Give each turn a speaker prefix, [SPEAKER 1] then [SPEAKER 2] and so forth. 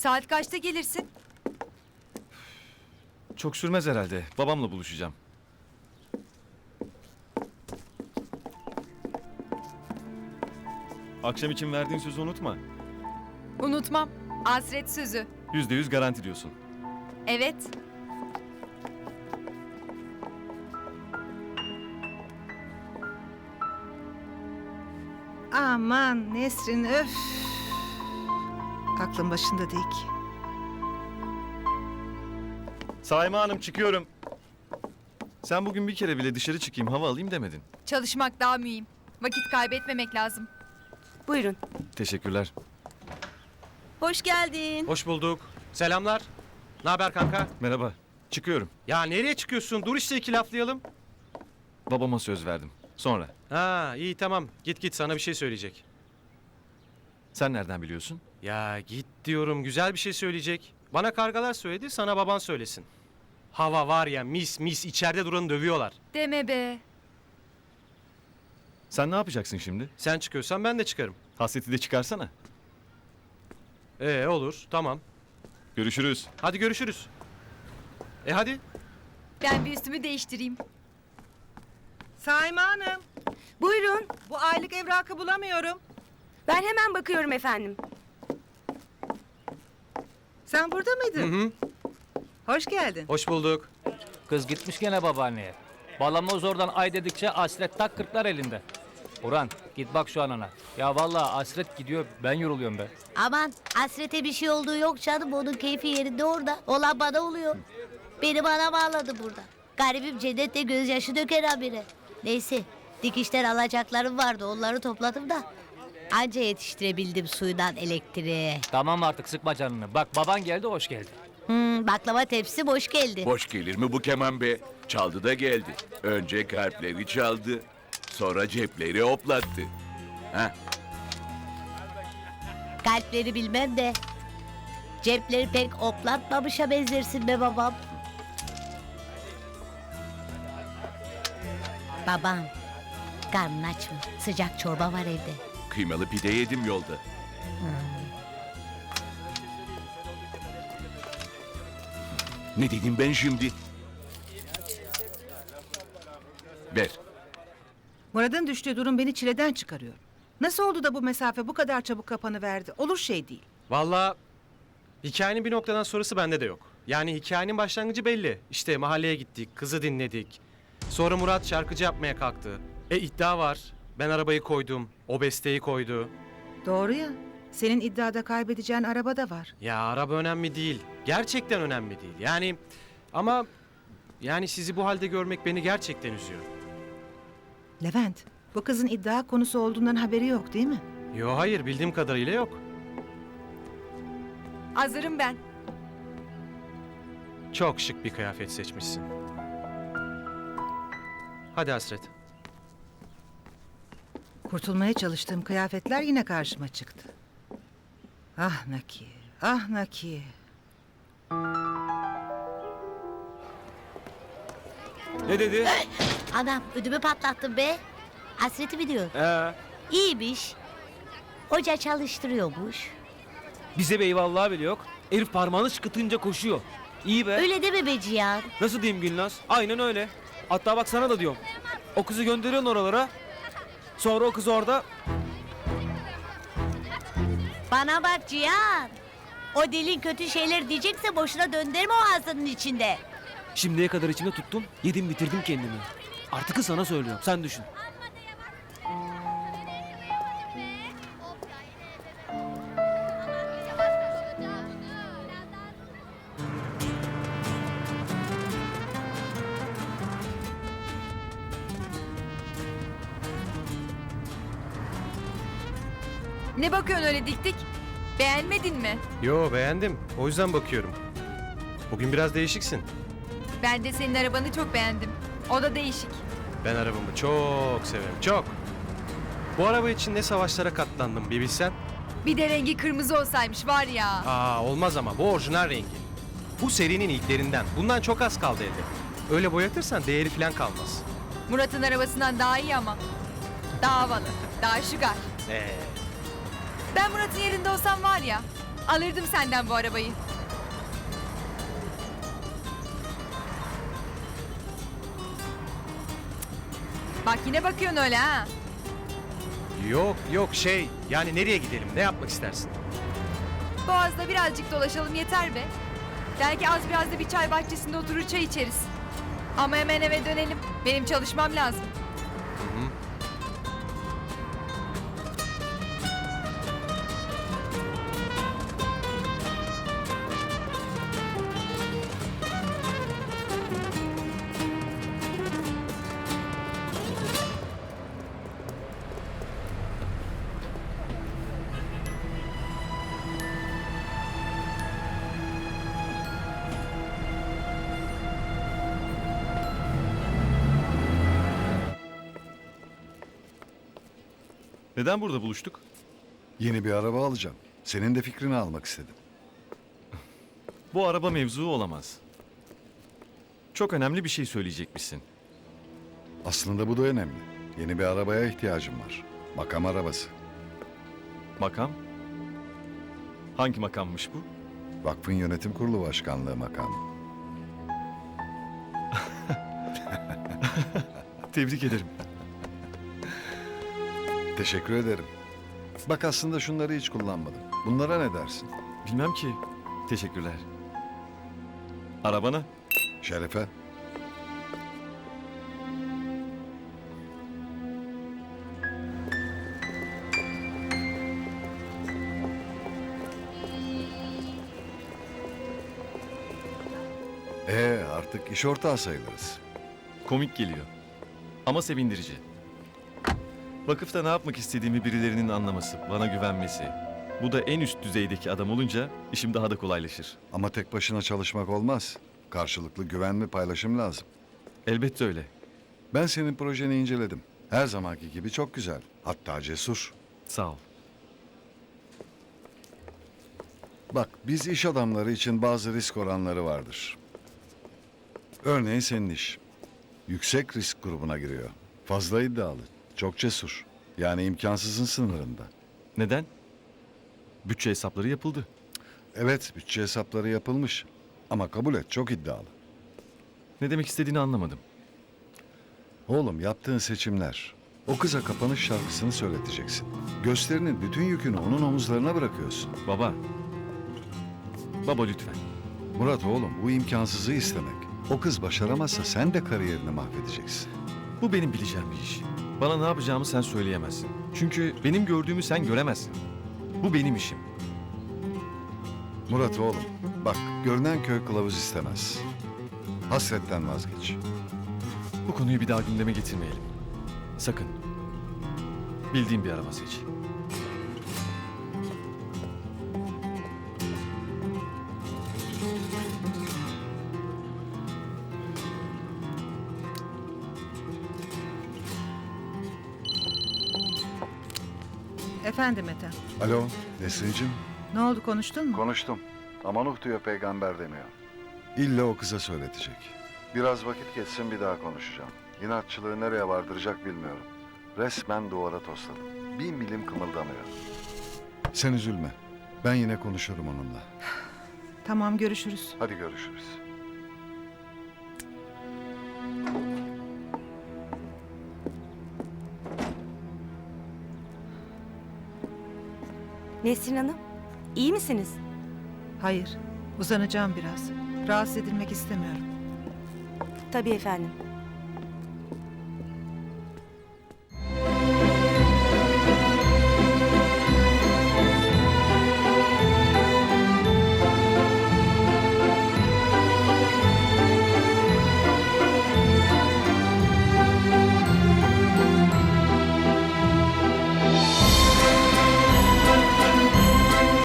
[SPEAKER 1] Saat kaçta gelirsin?
[SPEAKER 2] Çok sürmez herhalde. Babamla buluşacağım. Akşam için verdiğin sözü unutma.
[SPEAKER 1] Unutmam. Hasret sözü.
[SPEAKER 2] %100 garanti diyorsun.
[SPEAKER 1] Evet.
[SPEAKER 3] Aman Nesrin öf. Aklın başında değil ki.
[SPEAKER 2] Saime Hanım çıkıyorum. Sen bugün bir kere bile dışarı çıkayım hava alayım demedin.
[SPEAKER 1] Çalışmak daha mühim. Vakit kaybetmemek lazım.
[SPEAKER 4] Buyurun.
[SPEAKER 2] Teşekkürler.
[SPEAKER 4] Hoş geldin.
[SPEAKER 5] Hoş bulduk. Selamlar. Ne haber kanka?
[SPEAKER 2] Merhaba. Çıkıyorum.
[SPEAKER 5] Ya nereye çıkıyorsun? Dur işte iki laflayalım.
[SPEAKER 2] Babama söz verdim. Sonra.
[SPEAKER 5] Ha iyi tamam. Git sana bir şey söyleyecek.
[SPEAKER 2] Sen nereden biliyorsun?
[SPEAKER 5] Ya git diyorum güzel bir şey söyleyecek. Bana kargalar söyledi sana baban söylesin. Hava var ya mis mis içeride duranı dövüyorlar.
[SPEAKER 1] Deme be.
[SPEAKER 2] Sen ne yapacaksın şimdi?
[SPEAKER 5] Sen çıkıyorsan ben de çıkarım.
[SPEAKER 2] Hasreti de çıkarsana.
[SPEAKER 5] Olur tamam.
[SPEAKER 2] Görüşürüz.
[SPEAKER 5] Hadi görüşürüz. Hadi.
[SPEAKER 1] Ben bir üstümü değiştireyim.
[SPEAKER 3] Saime Hanım,
[SPEAKER 4] Buyurun.
[SPEAKER 3] bu aylık evrakı bulamıyorum.
[SPEAKER 4] Ben hemen bakıyorum efendim.
[SPEAKER 3] Sen burada mıydın?
[SPEAKER 5] Hı.
[SPEAKER 3] Hoş geldin.
[SPEAKER 5] Hoş bulduk.
[SPEAKER 6] Kız gitmiş gene babaanneye. Balamoz oradan ay dedikçe Asret tak kırklar elinde. Orhan git bak şu anana. Ya vallahi Asret gidiyor ben yoruluyorum be.
[SPEAKER 7] Aman hasrete bir şey olduğu yok canım. Onun keyfi yerinde orada. Olan bana oluyor. Beni bana bağladı burada. Garibim cennette gözyaşı döker habire. Neyse dikişten alacaklarım vardı. Onları topladım da. Anca yetiştirebildim suyundan elektriğe.
[SPEAKER 6] Tamam artık sıkma canını. Bak baban geldi hoş geldi.
[SPEAKER 7] Baklava tepsi boş geldi.
[SPEAKER 8] Boş gelir mi bu keman be? Çaldı da geldi. Önce kalpleri çaldı, sonra cepleri hoplattı. Ha?
[SPEAKER 7] Kalpleri bilmem de. Cepleri pek oplatmamışa benzersin be babam. Babam, karnın aç mı? Sıcak çorba var evde.
[SPEAKER 8] Kıymalı pide yedim yolda. Ne dedim ben şimdi? Ver.
[SPEAKER 3] Murat'ın düştüğü durum beni çileden çıkarıyor. Nasıl oldu da bu mesafe bu kadar çabuk kapanıverdi? Olur şey değil.
[SPEAKER 5] Vallahi hikayenin bir noktadan sonrası bende de yok. Yani hikayenin başlangıcı belli. İşte mahalleye gittik, kızı dinledik. Sonra Murat şarkıcı yapmaya kalktı. İddia var. Ben arabayı koydum, o besteyi koydu.
[SPEAKER 3] Doğru ya. Senin iddiada kaybedeceğin araba da var.
[SPEAKER 5] Ya araba önemli değil. Gerçekten önemli değil. Yani ama yani sizi bu halde görmek beni gerçekten üzüyor.
[SPEAKER 3] Levent, bu kızın iddia konusu olduğundan haberi yok değil mi?
[SPEAKER 5] Yo hayır bildiğim kadarıyla yok.
[SPEAKER 1] Hazırım ben.
[SPEAKER 5] Çok şık bir kıyafet seçmişsin. Hadi Hasret.
[SPEAKER 3] Kurtulmaya çalıştığım kıyafetler yine karşıma çıktı. Ah Nakiye, ah Nakiye.
[SPEAKER 6] Ne dedi?
[SPEAKER 7] Anam ödümü patlattın be. Hasreti mi diyor? İyiymiş. Hoca çalıştırıyormuş.
[SPEAKER 6] Bize be eyvallah bile yok. Herif parmağını şıkıtınca koşuyor. İyi be.
[SPEAKER 7] Öyle deme be Cihan.
[SPEAKER 6] Nasıl diyeyim Gülnaz? Aynen öyle. Hatta bak sana da diyorum. O kızı gönderiyorsun oralara. Sonra o kız orada.
[SPEAKER 7] Bana bak Cihan. O dilin kötü şeyler diyecekse boşuna döndürme o ağzının içinde.
[SPEAKER 6] Şimdiye kadar içimde tuttum. Yedim bitirdim kendimi. Artık sana söylüyorum. Sen düşün.
[SPEAKER 1] Ne bakıyorsun öyle dik dik? Beğenmedin mi?
[SPEAKER 5] Yo beğendim. O yüzden bakıyorum. Bugün biraz değişiksin.
[SPEAKER 1] Ben de senin arabanı çok beğendim. O da değişik.
[SPEAKER 5] Ben arabamı çok severim. Çok. Bu araba için ne savaşlara katlandım bir bilsen.
[SPEAKER 1] Bir de rengi kırmızı olsaymış var ya.
[SPEAKER 5] Olmaz ama bu orijinal rengi. Bu serinin ilklerinden. Bundan çok az kaldı elde. Öyle boyatırsan değeri falan kalmaz.
[SPEAKER 1] Murat'ın arabasından daha iyi ama. Daha havalı, daha şugar. Ben Murat'ın yerinde olsam var ya, Alırdım senden bu arabayı. Bak yine bakıyorsun öyle ha.
[SPEAKER 5] Yok yani nereye gidelim, ne yapmak istersin?
[SPEAKER 1] Boğaz'da birazcık dolaşalım yeter be. Belki az biraz da bir çay bahçesinde oturur çay içeriz. Ama hemen eve dönelim. Benim çalışmam lazım.
[SPEAKER 2] Neden burada buluştuk?
[SPEAKER 9] Yeni bir araba alacağım. Senin de fikrini almak istedim.
[SPEAKER 2] Bu araba mevzu olamaz. Çok önemli bir şey söyleyecekmişsin.
[SPEAKER 9] Aslında bu da önemli. Yeni bir arabaya ihtiyacım var. Makam arabası.
[SPEAKER 2] Makam? Hangi makammış bu?
[SPEAKER 9] Vakfın yönetim kurulu başkanlığı makamı.
[SPEAKER 2] Tebrik ederim.
[SPEAKER 9] Teşekkür ederim. Bak aslında şunları hiç kullanmadım. Bunlara ne dersin?
[SPEAKER 2] Bilmem ki. Teşekkürler. Arabana.
[SPEAKER 9] Şerefe. Artık iş ortağı sayılırız.
[SPEAKER 2] Komik geliyor. Ama sevindirici. Vakıfta ne yapmak istediğimi birilerinin anlaması, bana güvenmesi. Bu da en üst düzeydeki adam olunca işim daha da kolaylaşır.
[SPEAKER 9] Ama tek başına çalışmak olmaz. Karşılıklı güven ve paylaşım lazım.
[SPEAKER 2] Elbette öyle.
[SPEAKER 9] Ben senin projeni inceledim. Her zamanki gibi çok güzel. Hatta cesur.
[SPEAKER 2] Sağ ol.
[SPEAKER 9] Bak biz iş adamları için bazı risk oranları vardır. Örneğin senin iş. Yüksek risk grubuna giriyor. Fazla iddialı, çok cesur. Yani imkansızın sınırında.
[SPEAKER 2] Neden? Bütçe hesapları yapıldı.
[SPEAKER 9] Evet, bütçe hesapları yapılmış. Ama kabul et, çok iddialı.
[SPEAKER 2] Ne demek istediğini anlamadım.
[SPEAKER 9] Oğlum yaptığın seçimler. O kıza kapanış şarkısını söyleteceksin. Gösterinin bütün yükünü onun omuzlarına bırakıyorsun.
[SPEAKER 2] Baba. Baba lütfen.
[SPEAKER 9] Murat oğlum, bu imkansızı istemek. O kız başaramazsa sen de kariyerini mahvedeceksin.
[SPEAKER 2] Bu benim bileceğim bir iş. Bana ne yapacağımı sen söyleyemezsin. Çünkü benim gördüğümü sen göremezsin. Bu benim işim.
[SPEAKER 9] Murat oğlum, bak görünen köy kılavuz istemez. Hasretten vazgeç.
[SPEAKER 2] Bu konuyu bir daha gündeme getirmeyelim. Sakın. Bildiğim bir araba seç.
[SPEAKER 3] Efendim Ethem.
[SPEAKER 9] Alo, Nesrin'cim.
[SPEAKER 3] Ne oldu, konuştun mu?
[SPEAKER 9] Konuştum. Ama Nuh diyor, peygamber demiyor. İlla o kıza söyletecek. Biraz vakit geçsin, bir daha konuşacağım. İnatçılığı nereye vardıracak bilmiyorum. Resmen duvara tosladım. Bir milim kımıldamıyor. Sen üzülme. Ben yine konuşurum onunla.
[SPEAKER 3] Tamam, görüşürüz.
[SPEAKER 9] Hadi görüşürüz.
[SPEAKER 4] Nesrin Hanım, iyi misiniz?
[SPEAKER 3] Hayır, uzanacağım biraz. Rahatsız edilmek istemiyorum.
[SPEAKER 4] Tabii efendim.